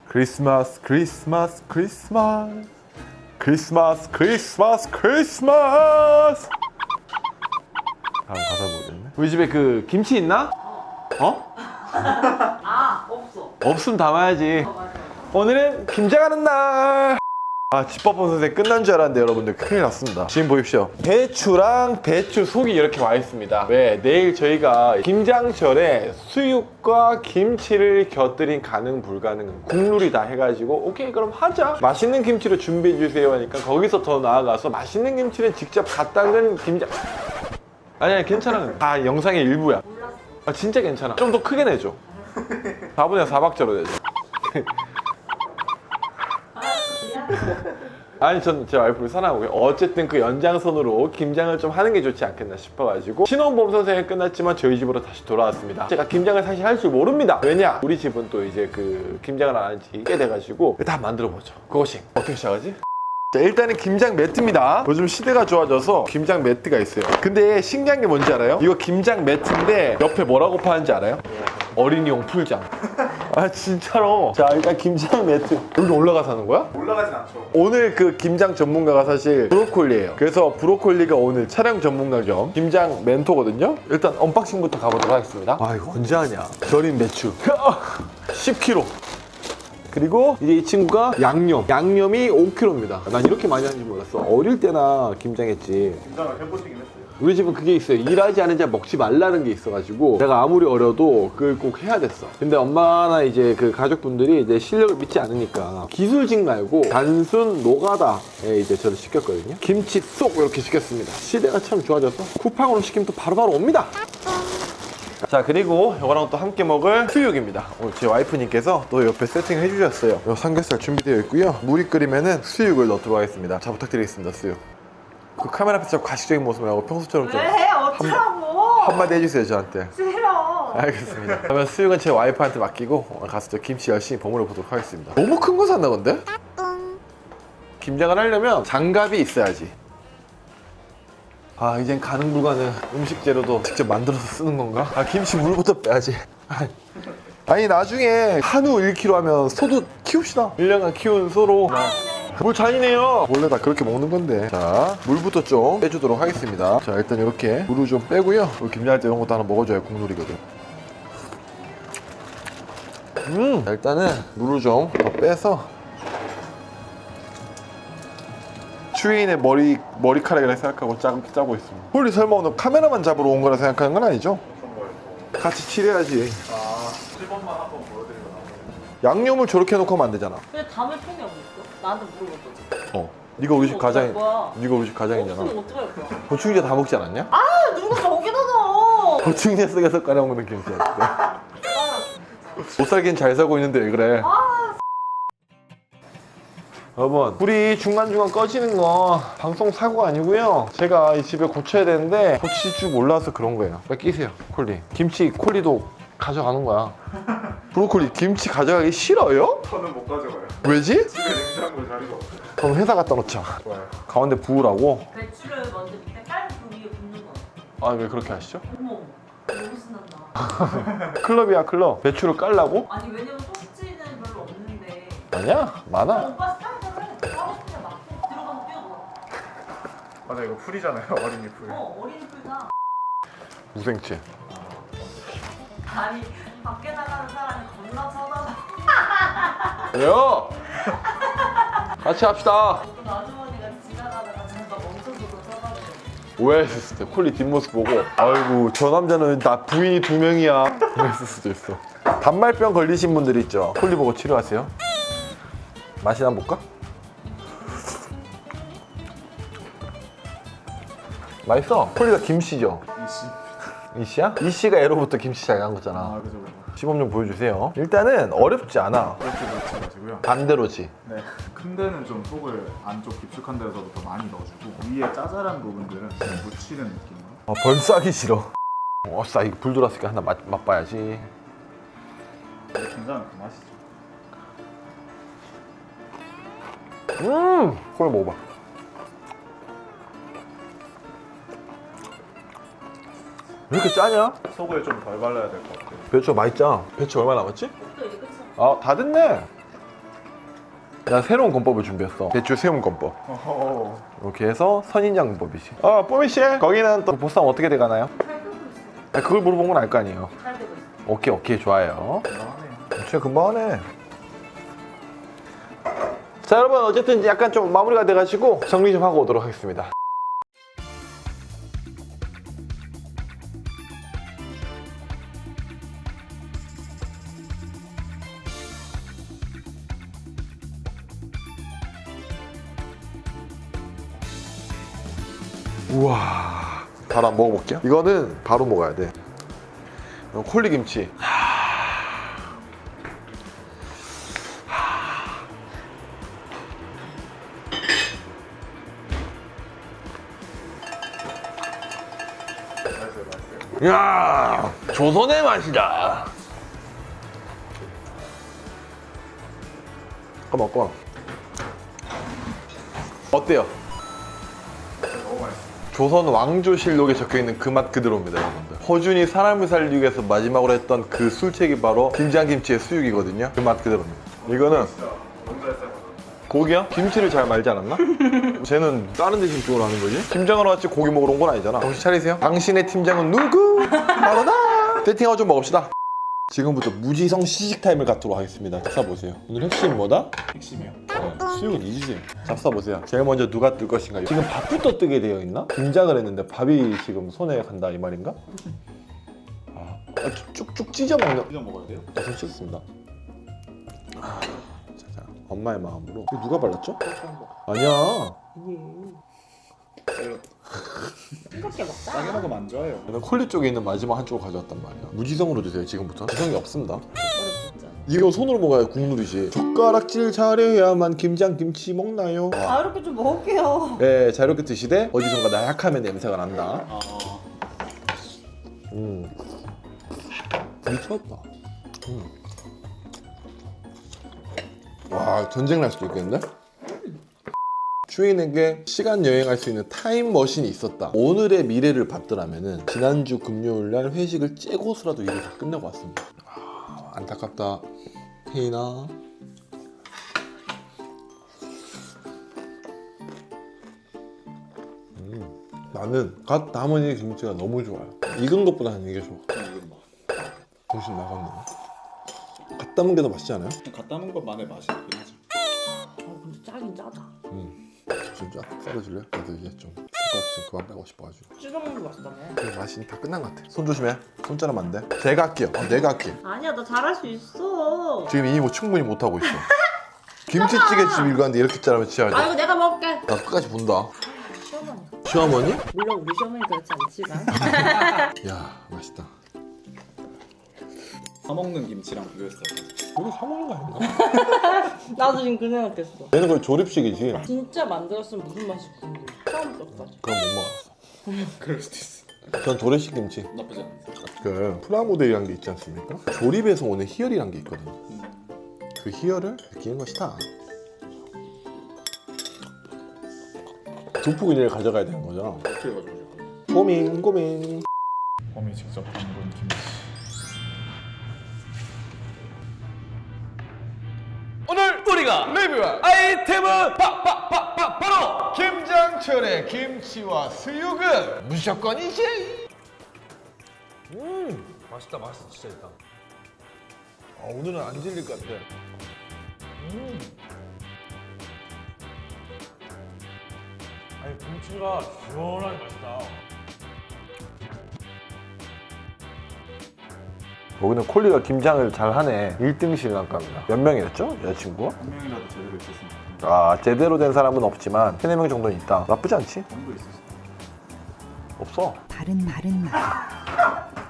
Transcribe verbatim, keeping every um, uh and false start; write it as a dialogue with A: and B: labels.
A: 크리스마스 크리스마스 크리스마스 크리스마스 크리스마스 크리스마스. 다음 가사 모르겠네. 우리 집에 그 김치 있나? 어?
B: 아 없어.
A: 없으면 담아야지.
B: 어, 맞아.
A: 오늘은 김장하는 날. 아, 집밥본 선생 끝난 줄 알았는데 여러분들 큰일 났습니다. 지금 보십시오. 배추랑 배추 속이 이렇게 와 있습니다. 왜? 내일 저희가 김장철에 수육과 김치를 곁들인 가능 불가능 국룰이다 해가지고 오케이 그럼 하자. 맛있는 김치를 준비해 주세요 하니까 거기서 더 나아가서 맛있는 김치는 직접 갓 담근 김장. 아니야 괜찮아. 다 영상의 일부야.
B: 몰랐어.
A: 아 진짜 괜찮아. 좀 더 크게 내줘. 사분의 사 박자로 내줘. 아니 전 제 와이프를 사랑하고요. 어쨌든 그 연장선으로 김장을 좀 하는 게 좋지 않겠나 싶어가지고 신혼보험 선생이 끝났지만 저희 집으로 다시 돌아왔습니다. 제가 김장을 사실 할 줄 모릅니다. 왜냐? 우리 집은 또 이제 그 김장을 안 한 지 꽤 돼가지고 다 만들어보죠. 그것이 어떻게 시작하지? 자, 일단은 김장 매트입니다. 요즘 시대가 좋아져서 김장 매트가 있어요. 근데 신기한 게 뭔지 알아요? 이거 김장 매트인데 옆에 뭐라고 파는지 알아요? 어린이용 풀장. 아 진짜로. 자 일단 김장 매트 여기 올라가서 하는 거야?
C: 올라가진 않죠.
A: 오늘 그 김장 전문가가 사실 브로콜리예요. 그래서 브로콜리가 오늘 촬영 전문가 겸 김장 멘토거든요. 일단 언박싱부터 가보도록 하겠습니다. 아 이거 언제 하냐. 절인 배추 십 킬로그램. 그리고 이제 이 친구가 양념 양념이 오 킬로그램입니다 난 이렇게 많이 하는지 몰랐어. 어릴 때나 김장했지.
C: 김장을 해보시긴 했어요.
A: 우리 집은 그게 있어요. 일하지 않은 자 먹지 말라는 게 있어가지고 내가 아무리 어려도 그걸 꼭 해야 됐어. 근데 엄마나 이제 그 가족분들이 내 실력을 믿지 않으니까 기술직 말고 단순 노가다에 이제 저를 시켰거든요. 김치 쏙 이렇게 시켰습니다. 시대가 참 좋아져서 쿠팡으로 시키면 또 바로바로 옵니다. 자 그리고 이거랑 또 함께 먹을 수육입니다. 오늘 제 와이프님께서 또 옆에 세팅을 해주셨어요. 요 삼겹살 준비되어 있고요. 물이 끓이면은 수육을 넣도록 하겠습니다. 자 부탁드리겠습니다. 수육. 그 카메라 앞에서 자꾸 가식적인 모습을 하고 평소처럼 좀
B: 왜 해? 어쩌라고?
A: 한마디 해주세요 저한테.
B: 싫어.
A: 알겠습니다. 그러면 수육은 제 와이프한테 맡기고 오늘 가서 저 김치 열심히 버무려 보도록 하겠습니다. 너무 큰 거 샀나 근데? 김장을 하려면 장갑이 있어야지. 아 이젠 가능 불가능 음식 재료도 직접 만들어서 쓰는 건가? 아 김치 물부터 빼야지. 아니 나중에 한우 일 킬로그램 하면 소도 키웁시다. 일 년간 키운 소로 물 잔이네요. 원래 다 그렇게 먹는 건데. 자 물부터 좀 빼주도록 하겠습니다. 자 일단 이렇게 물을 좀 빼고요. 우리 김장할 때 이런 것도 하나 먹어줘야 국룰이거든. 음 자, 일단은 물을 좀 더 빼서 추위인의 머리, 머리카락이라 생각하고 짜, 짜고 있습니다. 홀리 설마 오늘 카메라만 잡으러 온 거라 생각하는 건 아니죠?
C: 어떤 거예요?
A: 같이 칠해야지.
C: 아, 칠 번만 한번 보여드리고 나머지.
A: 양념을 저렇게 해놓고 하면 안 되잖아.
B: 근데 담을 통이 어디 있어? 나한테 물어봤거든.
A: 어. 네가 우리 집
B: 어떡할
A: 가장,
B: 거야?
A: 네가 우리 집 가장이잖아.
B: 없으면 어떡할 거야?
A: 고추기자 다 먹지 않았냐?
B: 아 누가 저기다 넣어?
A: 고추기자 속에서 깔아 먹는 김치야. 못 살긴 잘 살고 있는데 왜 그래? 여러분 불이 중간중간 꺼지는 거 방송 사고가 아니고요. 제가 이 집에 고쳐야 되는데 고칠 줄 몰라서 그런 거예요. 빨리 끼세요 콜리. 김치 콜리도 가져가는 거야. 브로콜리 김치 가져가기 싫어요?
C: 저는 못 가져가요.
A: 왜지?
C: 집에 냉장고 자리가 없어요.
A: 그럼 회사 갖다 놓자.
C: 좋아요.
A: 가운데 부으라고?
B: 배추를 먼저 밑에 깔고 그 위에 붓는 거.
A: 아 왜 그렇게 하시죠?
B: 어머 너무 신난다.
A: 클럽이야 클럽. 배추를 깔라고?
B: 아니 왜냐면 소스지는 별로 없는데.
A: 아니야 많아.
B: 오빠 스타일대로 해. 하고 싶으면 막 해. 들어가서 뛰어봐.
C: 맞아 이거 풀이잖아요. 어린이 풀.
B: 어 어린이 풀다.
A: 무생채.
B: 아니 밖에 나가는 사람이 겁나 쳐다봐.
A: 왜요? 같이 합시다.
B: 어떤 아주머니가 지나가다가 잠깐 멈춰서도 쳐다보고.
A: 오해했을 수도 있어. 콜리 뒷모습 보고 아이고 저 남자는 나 부인이 두 명이야 이랬을 수도 있어. 단말병 걸리신 분들 있죠. 콜리 보고 치료하세요. 맛이나 한번 볼까? 맛있어. 콜리가 김씨죠?
C: 이씨.
A: 이씨야? 이씨가 애로부터 김치 잘 간 거잖아.
C: 아 그죠 그죠.
A: 시범 좀 보여주세요. 일단은 어렵지 않아.
C: 그렇게 넣지 마시고요.
A: 반대로지.
C: 네. 큰 데는 좀 속을 안쪽 깊숙한 데서도 더 많이 넣어주고 위에 짜잘한 부분들은 좀 묻히는 느낌으로.
A: 아, 벌써 하기 싫어. 어싸 이거 불 들어왔으니까 하나 맛, 맛봐야지.
C: 굉장히 그 맛이죠.
A: 음! 콜리 먹어봐. 왜 이렇게 짜냐?
C: 속을 좀 덜 발라야 될 것 같아요.
A: 배추가 많이 짜. 배추 얼마 남았지?
B: 또 이제 끝이야.
A: 아, 다 됐네. 나 새로운 건법을 준비했어. 배추 세움 건법.
C: 어허.
A: 이렇게 해서 선인장 건법이지. 어, 뽀미씨, 거기는 또 보쌈 어떻게 돼가나요?
B: 잘 끓고 있어요.
A: 아, 그걸 물어본 건 알 거 아니에요.
B: 잘 되고 있어요.
A: 오케이, 오케이, 좋아요.
C: 대단하네요.
A: 진짜 금방 하네. 자, 여러분, 어쨌든 이제 약간 좀 마무리가 돼가지고 정리 좀 하고 오도록 하겠습니다. 우와, 바로 한번 먹어볼게요. 이거는 바로 먹어야 돼. 이건 콜리김치.
C: 맛있어요, 맛있어요.
A: 야, 조선의 맛이다. 한번 먹고. 어때요?
C: 너무 맛있어요.
A: 조선 왕조실록에 적혀있는 그 맛 그대로입니다, 여러분들. 허준이 사람을 살리기 위해서 마지막으로 했던 그 술책이 바로 김장김치의 수육이거든요. 그 맛 그대로입니다. 이거는
C: 진짜 너무 잘 삶아서.
A: 고기야? 김치를 잘 말지 않았나? 쟤는 다른 데 집중을 하는 거지? 팀장하러 왔지 고기 먹으러 온 건 아니잖아. 정신 차리세요. 당신의 팀장은 누구? 바로 나! 세팅하고 좀 먹읍시다. 지금부터 무지성 시식 타임을 갖도록 하겠습니다. 잡숴보세요. 오늘 핵심 뭐다?
C: 핵심이요.
A: 네, 수육은 이지지. 잡숴보세요. 제일 먼저 누가 뜰 것인가요? 지금 밥부터 뜨게 되어 있나? 김장을 했는데 밥이 지금 손에 간다 이 말인가? 아, 쭉쭉 찢어 먹는.
C: 이거 먹어야 돼요?
A: 손 씻습니다. 아, 자, 자, 엄마의 마음으로. 이거 누가 발랐죠? 아니야.
B: 싱겁게 먹자.
C: 싸게 먹으면 안 좋아요.
A: 나는 콜리 쪽에 있는 마지막 한쪽을 가져왔단 말이야. 무지성으로 드세요 지금부터. 지성이 없습니다.
B: 어렵 진짜.
A: 이거 손으로 먹어야 국룰이지. 젓가락질 잘해야만 김장김치 먹나요? 와.
B: 아 이렇게 좀 먹을게요.
A: 네, 자유롭게 드시되 어디선가 나약하면 냄새가 난다.
C: 아,
A: 음, 미쳤다. 음. 와, 전쟁 날 수도 있겠는데? 추인에게 시간 여행할 수 있는 타임머신이 있었다. 오늘의 미래를 봤더라면은 지난주 금요일 날 회식을 째고서라도 일을 다 끝내고 왔습니다. 아, 안타깝다. 혜인아. 음, 나는 갓 담은 이 김치가 너무 좋아요. 익은 것보다는 이게 좋아.
C: 이건 뭐.
A: 정신 나갔네. 갓 담은 게 더 맛있지 않아요?
C: 갖다 놓은 것만의 맛이 있긴 하죠.
B: 아 근데 짜긴 짜다.
A: 음, 진짜 썰어줄래? 나도 이제 좀 손가락 좀 그만 빼고 싶어가지고.
B: 찢어 먹는 게 맛있다며.
A: 그 맛이 다 끝난 것 같아. 손 조심해. 손자르면 안 돼. 제가 할게요. 어, 내가 할게.
B: 아니야 나 잘할 수 있어.
A: 지금 이미 뭐 충분히 못 하고 있어. 김치찌개 집 일고 왔는데 이렇게 자르면 진짜
B: 아 이거 내가 먹을게.
A: 나 끝까지 본다.
B: 시어머니.
A: 시어머니?
B: 물론 우리 시어머니 그렇지 않지만.
A: 야, 맛있다.
C: 사 먹는 김치랑 비교했을 때
A: 우리 사 먹는 거 아닌가?
B: 나도 지금 그 생각했어.
A: 얘는 거의 조립식이지.
B: 진짜 만들었으면 무슨 맛이 궁금해. 처음 떴어.
A: 그건 못 먹었어.
C: 그럴 수도 있어.
A: 전 도래식 김치.
C: 나쁘지 않은데.
A: 그 프라모델이란 게 있지 않습니까? 조립에서 오는 희열이란 게 있거든요. 그 희열을 느끼는 것이다. 두 포 그냥 가져가야 되는 거잖아.
C: 어떻게 가져오죠?
A: 고민 고민.
C: 봄이 직접 담근 김치.
A: 오늘 우리가 리뷰할 아이템은 바바바바 바로 김장철의 김치와 수육은 무조건이지. 음, 맛있다, 맛있어, 진짜 있다. 아, 오늘은 안 질릴 것 같아. 음. 아니 김치가 시원하게 맛있다. 여기는 콜리가 김장을 잘하네. 일 등 신랑감이다. 몇 명이었죠? 여자친구가?
C: 한 명이라도 제대로 있었으면 좋겠는데.
A: 아, 제대로 된 사람은 없지만 세네 명 정도는 있다. 나쁘지 않지?
C: 정도 있었어.
A: 없어.
D: 바른 말은 말.